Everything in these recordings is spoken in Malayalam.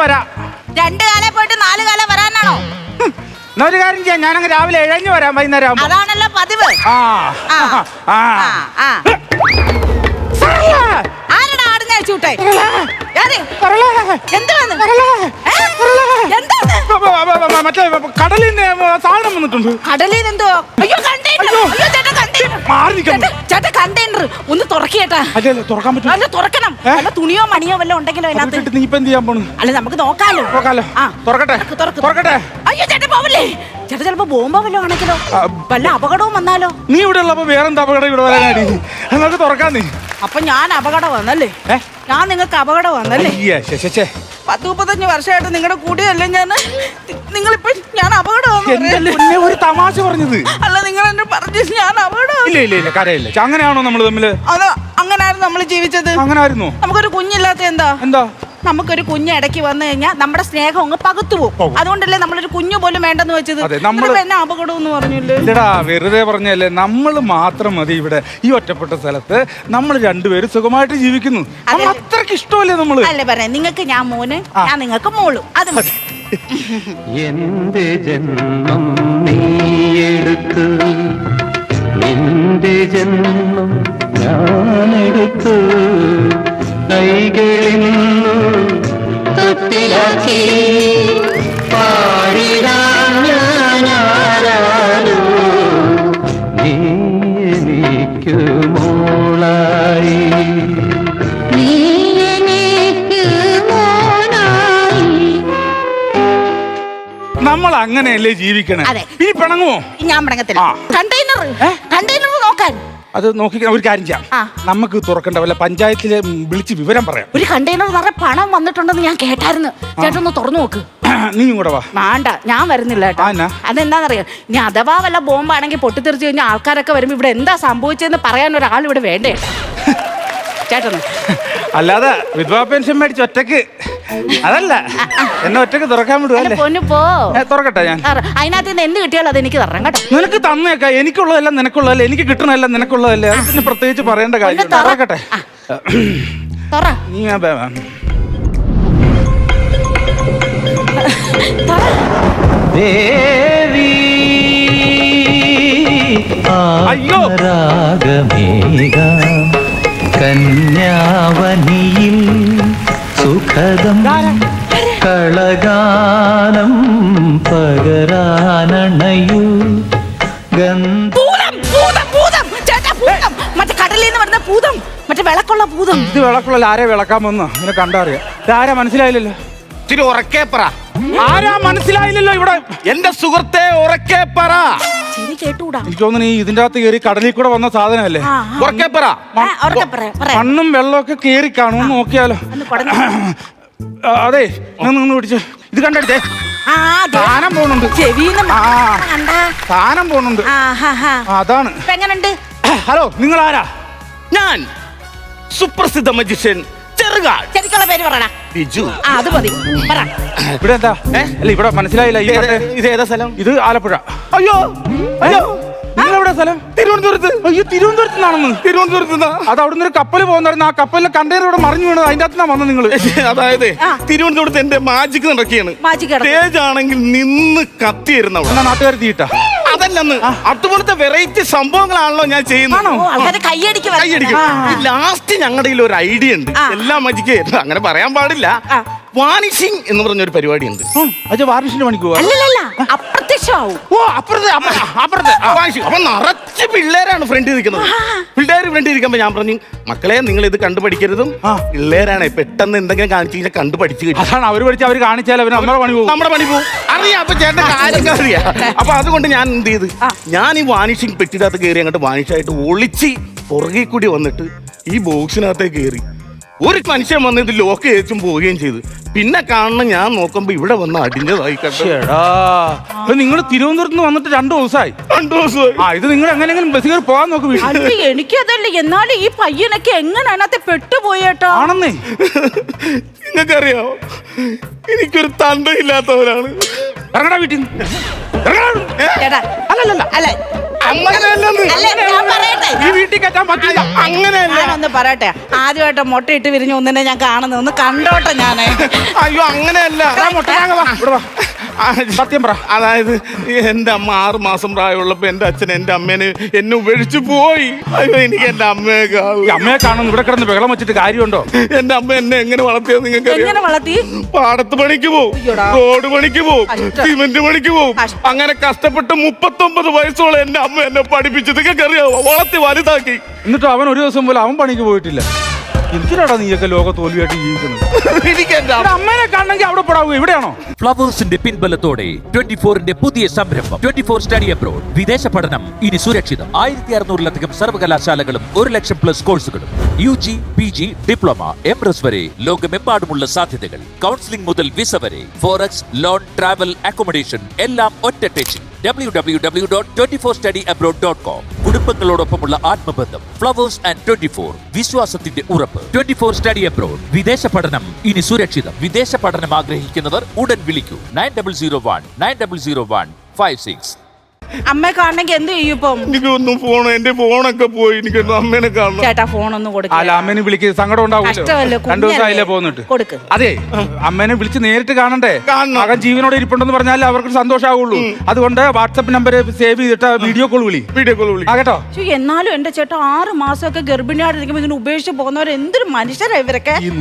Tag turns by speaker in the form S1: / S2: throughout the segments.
S1: വരാം.
S2: 2 കാലം പോയിട്ട് 4 കാലം വരാനാണോ?
S1: എന്നാ ഒരു കാര്യം ചെയ്യാം, ഞാനങ്ങ് രാവിലെ ഇഴഞ്ഞു വരാം വൈകുന്നേരം.
S2: അതാണല്ലോ പതിവ്. ആരടാ ആടുന്ന ചൂട്ടെ?
S1: മറ്റേ കടലിൽ നിന്ന് സാധനം വന്നിട്ടുണ്ട്.
S2: കടലിൽ എന്തോ? അയ്യോ കണ്ടെയ്നർ ഒന്ന് തുറക്കേട്ടാ.
S1: അല്ലേ തുറക്കാൻ പറ്റും?
S2: അല്ല തുറക്കണം. അല്ല തുണിയോ മണിയോ വല്ലതും ഉണ്ടെങ്കിലോ അതിനകത്ത്.
S1: നീ ഇപ്പൊ എന്ത് ചെയ്യാൻ പോണു?
S2: അല്ല നമുക്ക് നോക്കാലോ.
S1: തുറക്കട്ടെ തുറക്കട്ടെ.
S2: അയ്യോ ചേട്ടാ പോവല്ലേ. ചേട്ടാ ചിലപ്പോ ബോംബോ വല്ലതും ആണെങ്കിലോ, വല്ല അപകടവും വന്നാലോ?
S1: നീ ഇവിടെ ഉള്ളപ്പോ വേറെന്താ അപകടം ഇവിടെ വരാനാടി? നമുക്ക് തുറക്കാൻ. നീ
S2: അപ്പൊ ഞാൻ അപകടം വന്നല്ലേ? ഞാൻ നിങ്ങൾക്ക് അപകടം വന്നല്ലേ? 10-35 വർഷമായിട്ട് നിങ്ങളുടെ കൂടെയല്ലേ ഞാൻ. നിങ്ങളിപ്പോ ഞാൻ അപകടം
S1: ഒരു തമാശ പറഞ്ഞത്
S2: അല്ല. നിങ്ങൾ എന്നെ പറഞ്ഞു ഞാൻ അപകടം.
S1: ഇല്ല കരയില്ല. അങ്ങനെയാണോ നമ്മൾ തമ്മില്?
S2: അതോ അങ്ങനായിരുന്നു നമ്മൾ ജീവിച്ചത്?
S1: അങ്ങനായിരുന്നു.
S2: നമുക്കൊരു കുഞ്ഞില്ലാത്ത എന്താ? നമുക്കൊരു കുഞ്ഞ് ഇടയ്ക്ക് വന്നു കഴിഞ്ഞാൽ നമ്മുടെ സ്നേഹം അങ്ങ് പകുത്തു പോകും. അതുകൊണ്ടല്ലേ നമ്മളൊരു കുഞ്ഞു പോലും വേണ്ടെന്ന് വെച്ചത്. എന്നെ അപകടം എന്ന് പറഞ്ഞില്ലേ?
S1: വെറുതെ പറഞ്ഞല്ലേ. നമ്മൾ മാത്രം മതി ഇവിടെ ഈ ഒറ്റപ്പെട്ട സ്ഥലത്ത്. നമ്മൾ രണ്ടുപേരും സുഖമായിട്ട് ജീവിക്കുന്നു. അത്രക്ക് ഇഷ്ടമല്ലേ നമ്മള്?
S2: അല്ലേ പറയാം, നിങ്ങൾക്ക് ഞാൻ മോന്, ഞാൻ നിങ്ങൾക്ക് മോളും. അത് മതി.
S3: എന്റെ ജന്മം നീയെടുത്തു, എന്റെ ജന്മം ഞാനെടുത്തു, കൈകളിൽ തൊട്ടിലാക്കി പാടിടാൻ ഞാനാരാലോ, നീ എനിക്ക് മോളായി, നീ എനിക്ക് മോനായി.
S1: നമ്മൾ അങ്ങനെയല്ലേ ജീവിക്കണേ? ഇനി പിണങ്ങുമോ?
S2: ഞാൻ പിണങ്ങത്തില്ല. കണ്ടെയ്നർ നോക്കാൻ
S1: അത് നോക്കി ഒരു കാര്യം ചെയ്യാം. നമുക്ക് തുറക്കണ്ട വല്ല പഞ്ചായത്തിലെ വിളിച്ച് വിവരം പറയാം.
S2: ഒരു കണ്ടെയ്നർ നിറയെ പണം വന്നിട്ടുണ്ടെന്ന് ഞാൻ കേട്ടായിരുന്നു. ചേട്ടൊന്ന് തുറന്നു നോക്ക്.
S1: നീ കൂടെ വാ.
S2: വേണ്ട, ഞാൻ വരുന്നില്ല കേട്ടോ. അതെന്താന്നറിയാം, ഇനി അഥവാ വല്ല ബോംബാണെങ്കിൽ പൊട്ടിത്തെറിച്ച് കഴിഞ്ഞാൽ ആൾക്കാരൊക്കെ വരുമ്പോ ഇവിടെ എന്താ സംഭവിച്ചതെന്ന് പറയാൻ ഒരാൾ ഇവിടെ വേണ്ടേ ചേട്ടന്?
S1: അല്ലാതെ വിധവാ പെൻഷൻ മേടിച്ച് ഒറ്റക്ക് അതല്ല, എന്നെ ഒറ്റക്ക് തുറക്കാൻ വിടുവല്ലേ? തുറക്കട്ടെ ഞാൻ.
S2: അതിനകത്ത് നിന്ന് എന്ത് കിട്ടിയാലും അത് എനിക്ക് തരണം കേട്ടോ.
S1: നിനക്ക് തന്നേക്ക. എനിക്കുള്ളതല്ല നിനക്കുള്ളതല്ലേ, എനിക്ക് കിട്ടണല്ല നിനക്കുള്ളതല്ലേ. അത് പിന്നെ പ്രത്യേകിച്ച് പറയേണ്ട കാര്യം. തുറക്കട്ടെ. നീ
S3: അയ്യോ രാഗമേഘ കന്യാവനിയിൽ സുഖദം കളഗാനം പകരാനണയൂ
S2: മറ്റേ കടലിൽ നിന്ന് വരുന്ന പൂതം, മറ്റേ വിളക്കുള്ള പൂതം.
S1: ഇത് വിളക്കുള്ള ആരെ വിളക്കാൻ വന്നോ? ഇങ്ങനെ കണ്ടറിയാം. ആരാ മനസ്സിലായില്ലല്ലോ?
S4: ഇത്തിരി ഉറക്കെ പറ.
S1: ആരാ മനസ്സിലായില്ലല്ലോ? ഇവിടെ
S4: എന്റെ സുഹൃത്തെ ഉറക്കെ പറ.
S2: ശരി കേട്ടൂടാ.
S1: എനിക്ക് തോന്നുന്നു ഈ ഇതിന്റെ അകത്ത് കയറി കടലിൽ കൂടെ വന്ന സാധനമല്ലേ?
S4: ഉറക്കെ പറ.
S1: മണ്ണും വെള്ളമൊക്കെ കയറി കാണും. നോക്കിയാലോ? അതെ, നിന്ന് പിടിച്ചു. ഇത് കണ്ടെടുത്തേ. സാധനം പോണുണ്ട്. സാധനം പോണുണ്ട്. അതാണ്. ഹലോ, നിങ്ങൾ ആരാ?
S4: ഞാൻ സുപ്രസിദ്ധ മജിഷ്യൻ ചെറുകാട്.
S2: ശരിക്കുള്ള പേര് പറയണ
S4: ബിജു.
S2: അത് മതി.
S1: ഇവിടെ എന്താ? അല്ല, ഇവിടെ മനസ്സിലായില്ല.
S4: ഇത് ഏതാ സ്ഥലം?
S1: ഇത് ആലപ്പുഴ.
S4: അയ്യോ അയ്യോ,
S1: നിങ്ങളെവിടെ സ്ഥലം?
S4: തിരുവനന്തപുരത്ത്.
S1: അയ്യോ, തിരുവനന്തപുരത്ത് നിന്നാണെന്ന്?
S4: തിരുവനന്തപുരത്ത്.
S1: അത് അവിടുന്ന് ഒരു കപ്പൽ പോകുന്നായിരുന്നു. ആ കപ്പലിലെ കണ്ടെയ്നർ ഇവിടെ മറിഞ്ഞു വീണത്. അതിന്റെ അകത്ത് വന്നത് നിങ്ങൾ?
S4: അതായത് തിരുവനന്തപുരത്ത് എന്റെ മാജിക് നടക്കുകയാണ്. സ്റ്റേജ് ആണെങ്കിൽ നിന്ന് കത്തിയിരുന്ന
S1: നാട്ടുകാർ തീയിട്ടാ.
S4: അതല്ലെന്ന്, അതുപോലത്തെ വെറൈറ്റി സംഭവങ്ങളാണല്ലോ ഞാൻ ചെയ്യുന്നത്. ലാസ്റ്റ് ഞങ്ങളുടെ കയ്യിൽ ഒരു ഐഡിയ ഉണ്ട്. എല്ലാ മജിക്ക് അങ്ങനെ പറയാൻ പാടില്ല. വാനിഷിംഗ് എന്ന് പറഞ്ഞൊരു പരിപാടി ഉണ്ട്.
S1: വാനിഷിന്റെ പണിക്ക് പോവാ?
S4: അപ്പൊ നിറച്ച് പിള്ളേരാണ് ഫ്രണ്ടിൽ നിൽക്കുന്നത്. പിള്ളേര് ഫ്രണ്ടിൽ ഇരിക്കുമ്പോ ഞാൻ പറഞ്ഞു, മക്കളെ നിങ്ങൾ ഇത് കണ്ടുപഠിക്കരുതും. പിള്ളേരാണ് പെട്ടെന്ന് എന്തെങ്കിലും കാണിച്ചു കഴിഞ്ഞാൽ കണ്ടുപഠിച്ചു കിട്ടും.
S1: അതാണ് അവർ പഠിച്ച് അവർ കാണിച്ചാൽ നമ്മുടെ പണി പോകും.
S4: അറിയാം. അപ്പൊ ചേട്ടൻ കാര്യങ്ങൾ അറിയാം. അപ്പൊ അതുകൊണ്ട് ഞാൻ എന്ത് ചെയ്ത്, ഞാൻ ഈ വാനിഷിംഗ് പെട്ടിനകത്ത് കയറി അങ്ങോട്ട് വാനിഷായിട്ട് ഒളിച്ച് പുറകെ കൂടി വന്നിട്ട് ഈ ബോക്സിനകത്തേക്ക് കയറി ഒരു മനുഷ്യൻ വന്ന് ഇത് ലോക്ക് ചെയ്തും പോവുകയും ചെയ്തു. പിന്നെ കാണണം, ഞാൻ നോക്കുമ്പോ ഇവിടെ വന്ന് അടിഞ്ഞതായി.
S1: നിങ്ങൾ തിരുവനന്തപുരത്ത് നിന്ന് വന്നിട്ട് 2 ദിവസമായി. 2 ദിവസമായി. ഇത് നിങ്ങൾ എങ്ങനെയെങ്കിലും ബസ് കയറി പോകാൻ നോക്കും.
S2: എനിക്കതല്ല, എന്നാലും ഈ പയ്യനൊക്കെ എങ്ങനെ അതിനകത്ത് പെട്ടുപോയേട്ടോ?
S1: ആണെന്നേ.
S4: നിങ്ങൾക്കറിയാമോ, എനിക്കൊരു തന്തയില്ലാത്തവരാണ്.
S1: ഇറങ്ങടാ വീട്ടിൽ നിന്ന്.
S2: അല്ലല്ല, അല്ല
S4: അങ്ങനെയല്ലെന്ന്.
S2: ഞാൻ പറയട്ടെ,
S1: ഈ വീട്ടിൽ കയറ്റാൻ പറ്റില്ല.
S4: അങ്ങനെയല്ല.
S2: ഞാനൊന്ന് പറയട്ടെ, ആദ്യമായിട്ട് മുട്ടയിട്ട് വിരിഞ്ഞ ഒന്നിനെ ഞാൻ കാണുന്നത്, ഒന്ന് കണ്ടോട്ടെ ഞാന്.
S4: അയ്യോ അങ്ങനെയല്ല.
S1: സത്യം പറ.
S4: അതായത് എന്റെ അമ്മ 6 മാസം പ്രായമുള്ളപ്പോ എന്റെ അച്ഛൻ എന്റെ അമ്മേനെ എന്നെ ഉപേക്ഷിച്ചു പോയി. അയ്യോ എനിക്ക് എന്റെ അമ്മയെ കാണും.
S1: ഈ അമ്മയെ കാണുന്നു ഇവിടെ കിടന്ന് ബഹളം വെച്ചിട്ട് കാര്യമുണ്ടോ?
S4: എന്റെ അമ്മ എന്നെ എങ്ങനെ വളർത്തിയത് നിങ്ങൾക്ക്
S2: എങ്ങനെ വളർത്തി?
S4: പാടത്ത് പണിക്ക് പോവും,
S2: അയ്യോടാ.
S4: റോഡ് പണിക്ക് പോവും,
S2: കഷ്ടം.
S4: സിമന്റ് പണിക്ക് പോവും.
S2: കഷ്ടം.
S4: അങ്ങനെ കഷ്ടപ്പെട്ട് 39 വയസ്സോളം എന്റെ അമ്മ എന്നെ പഠിപ്പിച്ചത് നിങ്ങൾക്ക് അറിയാവോ? വളർത്തി വലുതാക്കി.
S1: എന്നിട്ട് അവൻ ഒരു ദിവസം പോലും അവൻ പണിക്ക് പോയിട്ടില്ല. എന്തിനാടാ നീയൊക്കെ ലോക തോൽവിയായിട്ട് ജീവിക്കുന്നത്?
S4: എനിക്ക് എന്റെ
S1: ഇവിടെ അമ്മേനെ കാണണമെങ്കിൽ അവിടെ പോടാവുക. ഇവിടെയാണോ?
S5: ഫ്ലവേഴ്സിന്റെ പിൻബലത്തോടെ 24ന്റെ പുതിയ സംരംഭം 24 സ്റ്റഡി അബ്രോഡ്. വിദേശ പഠനം ഇനി സുരക്ഷിതം. 1600-ലധികം സർവകലാശാലകളും 1,00,000+ കോഴ്സുകളും. UG, PG, ഡിപ്ലോമ, MRS വരെ ലോകമെമ്പാടുമുള്ള സാധ്യതകൾ. കൗൺസിലിംഗ് മുതൽ വിസ വരെ. ഫോറക്സ്, ലോൺ, ട്രാവൽ, അക്കോമഡേഷൻ എല്ലാം ഒറ്റ ടെച്ചിൽ. www.24studyabroad.com. കുടുംബങ്ങളോടൊപ്പമുള്ള ആത്മബന്ധം. ഫ്ലവേഴ്സ് ആൻഡ് 24 വിശ്വാസത്തിന്റെ ഉറപ്പ്. 24 സ്റ്റഡി അബ്രോഡ്. വിദേശ പഠനം ഇനി സുരക്ഷിതം. വിദേശ പഠനം ആഗ്രഹിക്കുന്നവർ ഉടൻ വിളിക്കൂ 9001900156.
S2: അമ്മയെ കാണണമെങ്കിൽ എന്ത് ചെയ്യും ഇപ്പം?
S4: എനിക്കൊന്നും ഫോൺ, എന്റെ ഫോണൊക്കെ പോയി. എനിക്ക് എന്റെ അമ്മേനെ കാണണം.
S2: ചേട്ടാ ഫോണൊന്നും കൊടുക്ക.
S1: അല്ല, അമ്മേനെ വിളിക്കുക, സങ്കടം
S2: കഷ്ടമല്ലേ,
S1: ഉണ്ടാവില്ല. 2 ദിവസമായില്ലേ പോന്നിട്ട്.
S2: കൊടുക്ക്.
S1: അതെ, അമ്മേനെ വിളിച്ച് നേരിട്ട് കാണണ്ടേ?
S4: കാണണം.
S1: മകൻ ജീവനോടെ ഇരിപ്പുണ്ടെന്ന് പറഞ്ഞാൽ അവർക്ക് സന്തോഷമാവുള്ളൂ. അതുകൊണ്ട് വാട്സപ്പ് നമ്പർ സേവ് ചെയ്തിട്ട് വീഡിയോ കോൾ വിളി.
S4: വീഡിയോ കോൾ വിളി.
S1: ആ കേട്ടോ.
S2: എന്നാലും എന്റെ ചേട്ടാ 6 മാസമൊക്കെ ഗർഭിണിയായിട്ടിരിക്കുമ്പോ ഇതിന് ഉപേക്ഷിച്ച് പോകുന്നവർ എന്തൊരു മനുഷ്യരാ ഇവരൊക്കെ.
S1: ഈ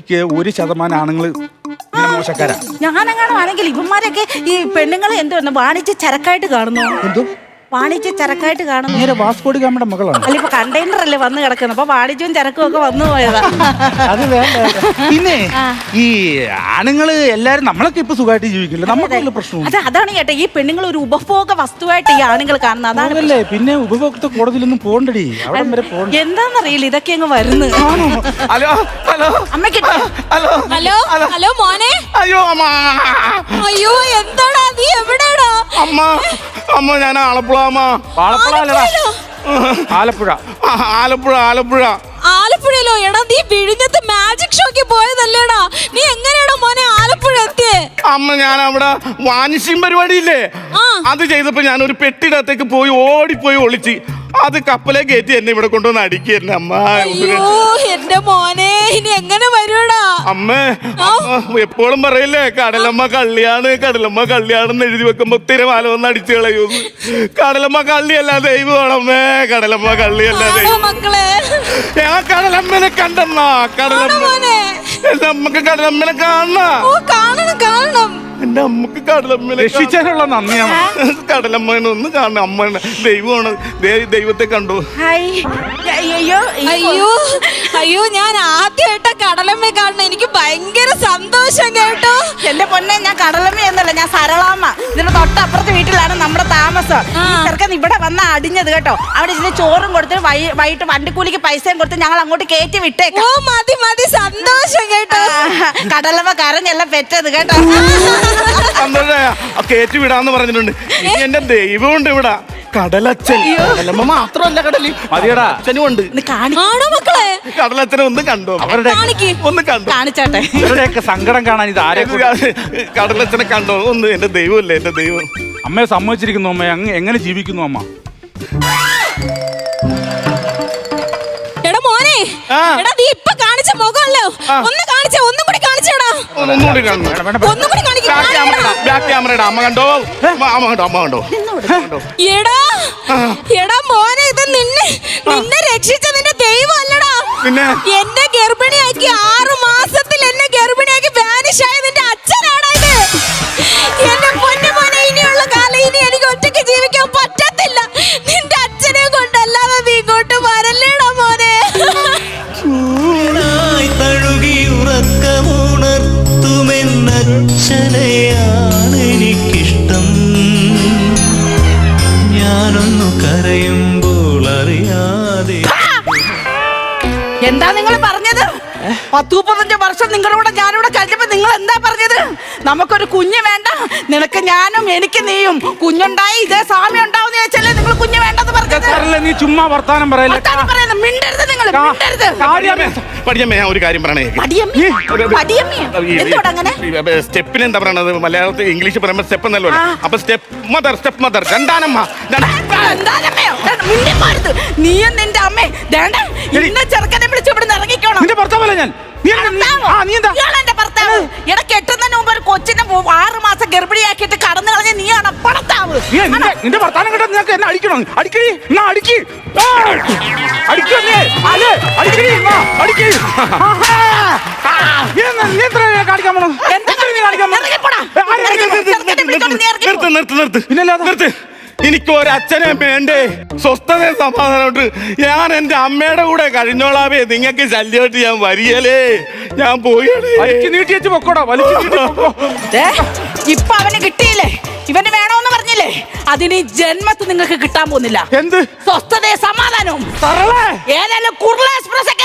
S1: 100% ആണുങ്ങൾ മോശക്കാരാ.
S2: ഞാനെങ്ങാനും ആണെങ്കിൽ ഇവന്മാരൊക്കെ ഈ പെണ്ണുങ്ങളെ എന്തുവന്നു വാണിജ്യ ചരക്കായിട്ട് കാണുന്നു.
S1: എന്തോ
S2: വാണിജ്യ ചരക്കായിട്ട് കാണുന്നു.
S1: നേരെ വാസ്കോടി ഗാമയുടെ മകളാണ്.
S2: അല്ല ഇപ്പൊ കണ്ടെയ്നർ അല്ലേ വന്ന് കിടക്കുന്നത്, അപ്പൊ വാണിജ്യവും ചരക്കും ഒക്കെ വന്നു പോയതാ.
S1: അത് വേണ്ട. പിന്നെ ഈ ആണുങ്ങള് എല്ലാരും നമ്മളൊക്കെ ഇപ്പൊ സുഖമായിട്ട് ജീവിക്കില്ല. നമുക്ക് പ്രശ്നം.
S2: അതാണ് ചേട്ടാ, ഈ പെണ്ണുങ്ങൾ ഒരു ഉപഭോഗ വസ്തുവായിട്ട് ഈ ആണുങ്ങൾ കാണുന്നത്. അതാണ്
S1: അതല്ലേ. പിന്നെ ഉപഭോക്തൃ കോടതിയിലൊന്നും പോണ്ടടി, അവിടെ വരെ പോണ്ട.
S2: എന്താന്നറിയില്ല ഇതൊക്കെ അങ്ങ് വരുന്നു.
S4: ഹലോ ഹലോ
S2: അമ്മയ്ക്ക്
S4: ഹലോ
S6: ഹലോ ഹലോ മോനെ.
S4: അയ്യോ അമ്മ.
S6: അയ്യോ എന്താടാ നീ എവിടെയാടാ?
S4: അമ്മ അമ്മ ഞാൻ ആലപ്പുഴ അമ്മ.
S1: ആലപ്പുഴ അല്ലടാ, ആലപ്പുഴ.
S4: ആലപ്പുഴ ആലപ്പുഴ
S6: ആലപ്പുഴയിലോ? എടാ നീ വിഴിഞ്ഞത്ത് മാജിക് ഷോക്ക് പോയതല്ലേടാ? നീ എങ്ങനെയാടാ മോനെ ആലപ്പുഴ എത്തിയേ?
S4: അമ്മ ഞാൻ അവിടെ വാനിഷിംഗ് പരിപാടിയില്ലേ, അത് ചെയ്തപ്പോ ഞാൻ ഒരു പെട്ടിടത്തേക്ക് പോയി ഓടിപ്പോയി ഒളിച്ച് അത് കപ്പലെ കയറ്റി എന്നെ ഇവിടെ കൊണ്ടുവന്ന് അടിക്കുക അമ്മ.
S6: അയ്യോ എന്റെ മോനെ ഇനി എങ്ങനെ വരുവടാ?
S4: അമ്മ എപ്പോഴും പറയില്ലേ കടലമ്മ കള്ളിയാണ്, കടലമ്മ കള്ളിയാണെന്ന് എഴുതി വെക്കുമ്പോ തിരമാല വന്ന് അടിച്ചു കളയൂന്ന്. കടലമ്മ കള്ളിയല്ല ദൈവമാണമ്മേ, കടലമ്മ കള്ളിയല്ല ദൈവം.
S6: മക്കളെ
S4: ഞാൻ കടലമ്മനെ കണ്ടെന്നാ. കടലമ്മ എന്റെ അമ്മക്ക് കടലമ്മനെ കാണണ.
S6: ഓ കാണണം കാണണം.
S4: എന്റെ അമ്മക്ക് കടലമ്മനെ
S1: രക്ഷിച്ചതിനുള്ള നന്ദിയാണ്.
S4: കടലമ്മനെ ഒന്ന് കാണണം. അമ്മ ദൈവമാണ്, ദൈവത്തെ കണ്ടു.
S2: അയ്യോ
S6: അയ്യോ അയ്യോ ഞാൻ ആദ്യമായിട്ടാ കടലമ്മയെ കാണണം. എനിക്ക് ഭയങ്കര സന്തോഷം കേട്ടോ.
S2: എന്റെ പൊന്നെ, ഞാൻ കടലമ്മ എന്നല്ല, ഞാൻ സരളാമ്മ. ഇതിന്റെ തൊട്ടപ്പുറത്തെ വീട്ടിലാണ് നമ്മുടെ താമസം. ഈ ചെറുക്കൻ ഇവിടെ വന്ന അടിഞ്ഞത് കേട്ടോ. അവിടെ ഇതിന് ചോറും കൊടുത്ത് വൈകിട്ട് വണ്ടിക്കൂലിക്ക് പൈസയും കൊടുത്ത് ഞങ്ങൾ അങ്ങോട്ട് കയറ്റി വിട്ടേക്കാം.
S6: ഓ മതി മതി സന്തോഷം കേട്ടോ.
S2: കടലമ്മ കരഞ്ഞെല്ലാം പെറ്റത് കേട്ടോ.
S4: സന്തോഷമായ കയറ്റി വിടാന്ന് പറഞ്ഞിട്ടുണ്ട്. ഇനി എന്റെ ദൈവമുണ്ട് ഇവിടെ, കടലച്ഛൻ. കടലമ്മ മാത്രമല്ല കടലി
S1: മതിയടാ.
S4: അച്ഛനും ഉണ്ട്.
S6: ആണോ മക്കളെ?
S4: കടലച്ഛനെ ഒന്ന് കണ്ടോ?
S1: അവരുടെ
S4: ഒന്ന് കണ്ടോ?
S2: കാണിച്ചാട്ടെ.
S1: ഇവരുടെയൊക്കെ സങ്കടം കാണാൻ ഇത് ആരെ
S4: കടലച്ഛനെ കണ്ടോ ഒന്ന്? എന്റെ ദൈവമല്ലേ, എന്റെ ദൈവം.
S1: അമ്മയെ സമ്മതിച്ചിരിക്കുന്നു. അമ്മ എങ്ങനെ ജീവിക്കുന്നു അമ്മ?
S6: എടാ മോനെ, എടാ നീ ഇപ്പൊ കാണിച്ച മുഖമല്ലോ, ഒന്ന് കാണിച്ചേ, ഒന്നും കൂടി കാണിച്ചേടാ.
S4: ഒന്നുകൂടി കാണണം.
S6: ഒന്നും കൂടി കാണിക്ക്.
S4: ബാക്ക് ക്യാമറയുടെ അമ്മ കണ്ടോ? അമ്മ കണ്ടോ? അമ്മ കണ്ടോ?
S6: എടാ എടാ മോനെ, ഇത് നിന്നെ രക്ഷിച്ച നിന്റെ ദൈവം അല്ലടാ.
S4: പിന്നെ
S6: എന്നെ ഗർഭിണിയാക്കി 6 മാസത്തിൽ എന്നെ ഗർഭിണിയാക്കി വാനിഷ് ആയ നിന്റെ അച്ഛനാടാ ഇത്. എന്റെ പൊന്നു മോനെ, ഇനിയുള്ള കാലം ഇനി എനിക്ക് ഒറ്റയ്ക്ക് ജീവിക്കാൻ പറ്റത്തില്ല. നിന്റെ അച്ഛനെ കൊണ്ടല്ലാതെ നീ ഇങ്ങോട്ട് വരല്ലേടാ മോനെ.
S3: തഴുകി ഉറക്കമുണർത്തുമെന്നച്ഛനെയാണ് എനിക്കിഷ്ടം. ഞാനൊന്നു കരയുമ്പോൾ അറിയാതെ.
S2: എന്താ നിങ്ങൾ പറഞ്ഞത്? 10-35 വർഷം നിങ്ങളുടെ കൂടെ ഞാനിവിടെ കഴിഞ്ഞപ്പോ നിങ്ങൾ എന്താ പറഞ്ഞത്? നമുക്കൊരു കുഞ്ഞ് വേണ്ട, നിനക്ക് ഞാനും എനിക്ക് നീയും, കുഞ്ഞുണ്ടായി ഇതേ സാമ്യം ഉണ്ടാവുന്ന ചോദിച്ചല്ലേ നിങ്ങൾ കുഞ്ഞ് വേണ്ടെന്ന് പറഞ്ഞത്?
S1: നീ ചുമ്മാ വർത്താനം പറയല്ലേ.
S2: മിണ്ടരുത് നിങ്ങൾ, മിണ്ടരുത്.
S4: പഠിച്ചമ്മ ഞാൻ ഒരു കാര്യം പറയണേ.
S2: എന്തുകൊണ്ട് അങ്ങനെ?
S4: സ്റ്റെപ്പിന് എന്താ പറയണത്? മലയാളത്തിൽ ഇംഗ്ലീഷ് പറയുമ്പോ സ്റ്റെപ്പ് എന്നല്ലോ. അപ്പൊ സ്റ്റെപ്പ് മദർ രണ്ടാനമ്മ.
S2: മിണ്ടിപ്പോരുത്. നീയും നിന്റെ അമ്മേ ദേണ്ട ഇന്ന ചെറുക്കനെ വിളിച്ച് ഇവിടെ ഇറങ്ങിക്കോണം.
S1: നിന്റെ ഭർത്താവല്ല ഞാൻ. നീ എന്താ
S2: ഇയാളെന്റെ ഭർത്താവ്. എടാ കെട്ടുന്നതിന് മുമ്പ് ഒരു കൊച്ചിനെ 6 മാസം ഗർഭിണിയാക്കിയിട്ട് കടന്നു കളഞ്ഞ നീയാണ് ഭർത്താവ്.
S1: നിന്റെ ഭർത്താനം കേട്ടാ നിനക്ക് എന്നെ അടിക്കണം. അടിക്കടി എന്നാ അടിക്ക്. അടിക്കല്ലേ അടിക്കടി എന്നാ അടിക്ക്. നീ എത്ര കാണിക്കാൻ പോണം?
S4: നിർത്ത്. എനിക്ക് ഒരച്ഛനെ വേണ്ടേ, സ്വസ്ഥത സമാധാനമുണ്ട്. ഞാൻ എന്റെ അമ്മയുടെ കൂടെ കഴിഞ്ഞോളാവേ. നിങ്ങൾക്ക് ശല്യമായിട്ട് ഞാൻ വരികലേ. ഞാൻ പോയാണ്.
S1: വലിച്ചു നീട്ടി വെച്ച് പൊക്കോടാ. വലിച്ചു നീട്ടി പൊക്കോ.
S2: ഇപ്പൊ അവന് കിട്ടിയില്ലേ? ഇവന് വേണോന്ന് പറഞ്ഞില്ലേ? അതിന് ജന്മത്ത് നിങ്ങൾക്ക് കിട്ടാൻ പോകുന്നില്ല.
S1: എന്ത്
S2: സ്വസ്ഥതയും സമാധാനവും.
S1: തറളേ
S2: ഏതായാലും കുർള എക്സ്പ്രസ്